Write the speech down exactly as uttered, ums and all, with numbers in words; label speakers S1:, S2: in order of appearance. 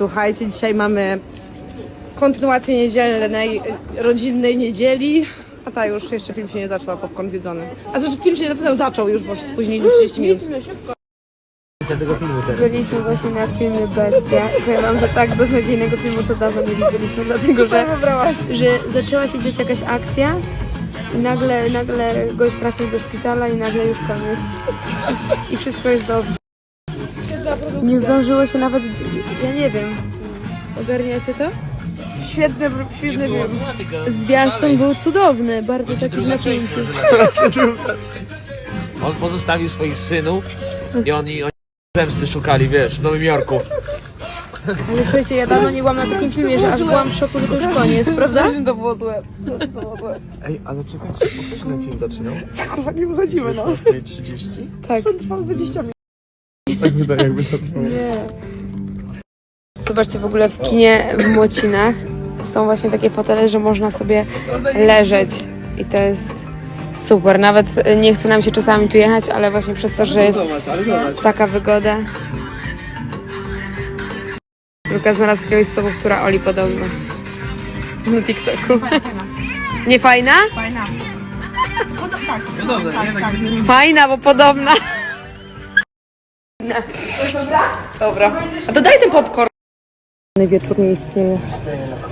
S1: Słuchajcie, dzisiaj mamy kontynuację niedzielnej, rodzinnej niedzieli. A ta już, jeszcze film się nie zaczął, a popcorn zjedzony. A znaczy film się na pewno zaczął już, bo się spóźniliśmy trzydzieści minut.
S2: Tego filmu teraz.
S3: Byliśmy właśnie na filmie Bestia i powiem wam, że tak beznadziejnego filmu to dawno nie widzieliśmy, dlatego że, że zaczęła się dziać jakaś akcja i nagle, nagle gość trafił do szpitala i nagle już koniec. I wszystko jest dobrze. Nie zdążyło się nawet, ja nie wiem, ogarniacie to?
S1: Świetny, świetny film.
S3: Zwiastun był cudowny, bardzo taki w napięciu.
S2: On pozostawił swoich synów i oni, oni zemsty szukali, wiesz, w Nowym Jorku.
S3: Ale słuchajcie, ja dawno nie byłam na takim filmie, że aż byłam w szoku, że to już koniec, prawda?
S1: To było złe. To było złe.
S4: Ej, ale czekajcie, po którym ten film zaczynał?
S1: Kurwa, nie wychodzimy, no.
S4: dziewiętnasta trzydzieści?
S3: Tak.
S1: Trwał dwadzieścia minut.
S4: Tak wydaje, jakby to trwało.
S3: Nie. Zobaczcie, w ogóle w kinie w Młocinach są właśnie takie fotele, że można sobie leżeć i to jest super. Nawet nie chce nam się czasami tu jechać, ale właśnie przez to, że jest taka wygoda. Luka znalazł jakiegoś sobowtóra Oli podobno na TikToku. Nie fajna?
S1: Fajna. Tak,
S2: Podobne,
S1: tak, tak.
S3: Fajna, bo podobna.
S1: Dobra. A to daj ten popcorn. Wieczór nie istnieje.